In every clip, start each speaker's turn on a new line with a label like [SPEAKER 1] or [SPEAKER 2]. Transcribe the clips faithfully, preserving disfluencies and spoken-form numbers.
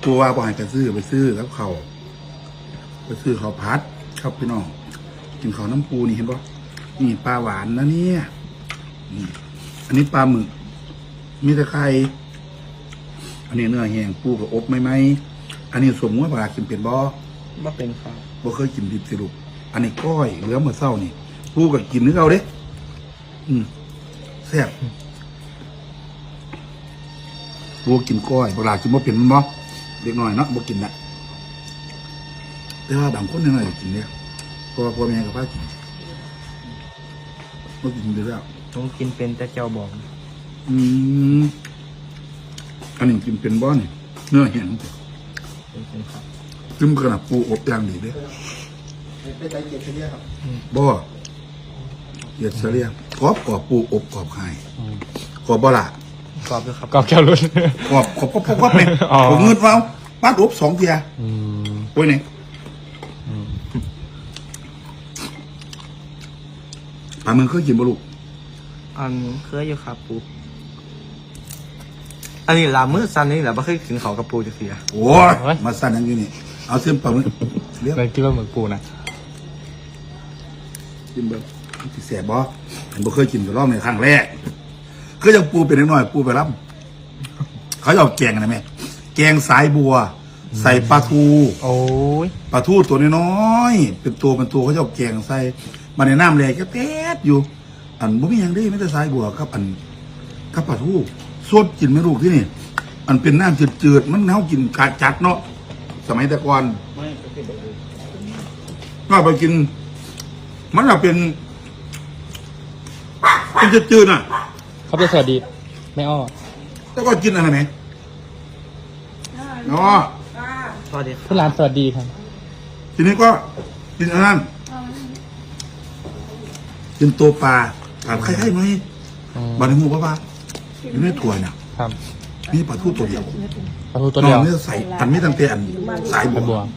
[SPEAKER 1] ปูว่าบ่ให้ไปซื้อไปซื้อแล้วเขาไปซื้อเขาพัดครับพี่น้องกินเขาน้ำปูนี่เห็นปะนี่ปลาหวานนะเนี่ยอันนี้ปลาหมึกมีแต่ไข่อันนี้เนื้อแห้งปูกับอบไม่ไหมอันนี้สมมติว่าปลากินเป็นบ่
[SPEAKER 2] บ่เป็นครับ
[SPEAKER 1] บ่เคยกินดิบสิลูกอันนี้ก้อยเหลือเมื่อเช้านี่ปูกับกินนึกเอาเด้อืมแซ่บปูกินก้อยปลากินบ่เป็นมันบ่เด็กน้อยเนาะบ่กินนะแต่ว่าบางคนยังไงกินเนี่ยพ่อพ่อแม่กับพ่อกินบ่กินไปแล้ว
[SPEAKER 2] ต้องกินเป็นแต่เจ้าบอก
[SPEAKER 1] อืมอันนี้กินเป็นบ่นี่เนื้อแห้ง
[SPEAKER 2] เป็นครับ
[SPEAKER 1] จิ้มขนาดปูอบอย่างดีเด้
[SPEAKER 2] เป็นใจเกียรติเรียครับ
[SPEAKER 1] บ่เกียรติเรียกรอบกรอบปูอบกรอบไข่กรอบบ่ล่ะ
[SPEAKER 2] กรอบด้วยครับ
[SPEAKER 3] กรอบแก้วรุ่น
[SPEAKER 1] กรอบกรอบกรอบกรอบเนี่ยผมเงินเฝ้าป้าอบสองเทียโอ้ยนี่ปลาเมืองเคยกินบ่ลูก
[SPEAKER 2] อันเคยอยู่ครับปูอันนี้ลามือซันนี่แหละไม่เคยกินเขากับปูจะเสีย
[SPEAKER 1] โอ้ยมาสั่นอย่างนี้นี่เอาเส้นปลาหมึก
[SPEAKER 3] เรียกคิดว่าเหมือนปูนะ
[SPEAKER 1] กินแบบที่แสบบ่ผมบ่เคยกินแต่รอบในครั้งแรกก็ยังปูเป็นน้อยปูไปรับเขาจะเอาแกงอะไรไหมแกงสายบัวใส่ปลาทู
[SPEAKER 3] โอ้ย
[SPEAKER 1] ปลาทูตัวน้อยๆเป็นตัวเป็นตัวเขาจะเอาแกงใส่มาในน้ำแรงก็แป๊ดอยู่อันบ่มีอย่างได้ไม่แต่สายบัวครับอันกับปลาทูสดกินไม่ลูกที่นี่อันเป็นน้ำจืดๆมันเน่ากินกาจัดเนาะสมัยแต่ก่อนก็ไปกินมันจะเป็นเป็นจืดๆน่ะ
[SPEAKER 3] เขาเป็นสวัสดีไม่อ้อ
[SPEAKER 1] แล้วก็กินอะไรไหมเนาะ
[SPEAKER 2] สวัสดี
[SPEAKER 3] เพื่อนร้านสวัสดีครับ
[SPEAKER 1] ทีนี้ก็กินอันนั้นกินตัวปลาถามใครๆไหมบาร์นีมูป้าป้าอยู่ในถ้วยเนี่ยนี่ปลาทูตัวเดียว
[SPEAKER 3] ปลาทูตัวเดียว
[SPEAKER 1] นี่ใส่อันไม่ตั้งแต่อันสายบัว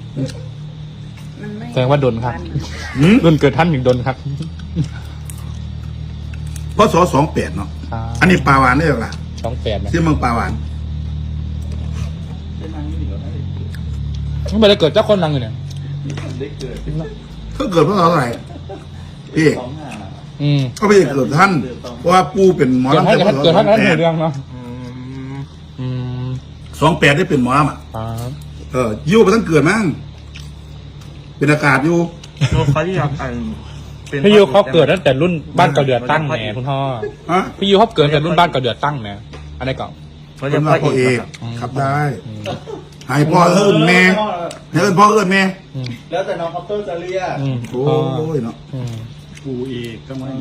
[SPEAKER 3] แสดงว่าดนครับดนเกิดท่านถึงดนครับ
[SPEAKER 1] เพราะสอสองแปดเนาะอันนี้ปลาหวานได้หรอล่ะ
[SPEAKER 3] สองแปด
[SPEAKER 1] ที่เมืองปลาหวาน
[SPEAKER 3] ไม่ได้เกิดเจ้าคนดังเลยเนี่ย
[SPEAKER 1] ก็เกิดเพราะอะไรพี่ก็ไม่ได้เกิดท่านเพราะว่าปูเป็นหมอลำ
[SPEAKER 3] เกิดท่านเกิดท่านนั้นเรื่องเนาะ
[SPEAKER 1] สองแปดได้เป็นหมอลำอ่ะเออยิ้วไปตั้งเกิดมั้งเป็นอากาศอยู่
[SPEAKER 2] เขาที่อยากอ่าน
[SPEAKER 3] พี่ยูเขาเกิดตั้งแต่รุ่นบ้านเก่าเดือดตั้งแหนคุณพ่อพี่ยูเขาเกิดตั้งแต่รุ่นบ้านเก่าเดือดตั้งแหนอะไรเก่า
[SPEAKER 1] เขาจะพ่อเอกครับได้ให้พ่อเอิญแม่ให้เอิญพ่อเอิญแม่
[SPEAKER 2] แล้วแต่น้องคอปเตอร์จะเรียก
[SPEAKER 1] โอ้ยเนาะ
[SPEAKER 3] ปูเอกก็ไม่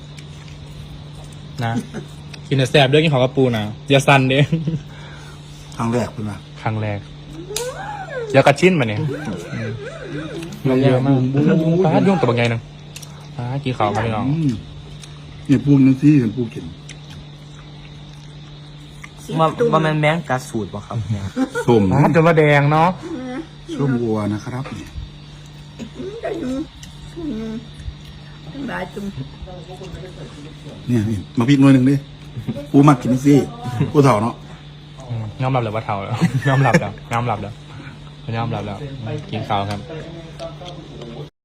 [SPEAKER 3] นะกินแต่แซ่บด้วยกินของกระปูนะอย่าสั่นเด้
[SPEAKER 1] ครั้งแรกเป็นไง
[SPEAKER 3] ครั้งแรกยากระชิ้นมาเนี่ยมันเยอะมากป้ายุ่งตัวบางไงนึงป้ากี่ข่าวมาพี่น้อง
[SPEAKER 1] เนี่ยปูนึงสิเห็นปูกิน
[SPEAKER 2] มามาแมนแมงกาสูตรป่ะครับ
[SPEAKER 1] ส้ม
[SPEAKER 3] ป้าจนมาแดงเนาะ
[SPEAKER 1] ส้มวัวนะครับเนี่ยเนี่ยมาพิกหน่วยหนึ่งดิปูมากินสิปูเถ่าเนาะ
[SPEAKER 3] ยอมรับเลยว่าเถ่าแล้วยอมรับแล้วยอมรับแล้วยอมรับแล้วกินข้าวครับ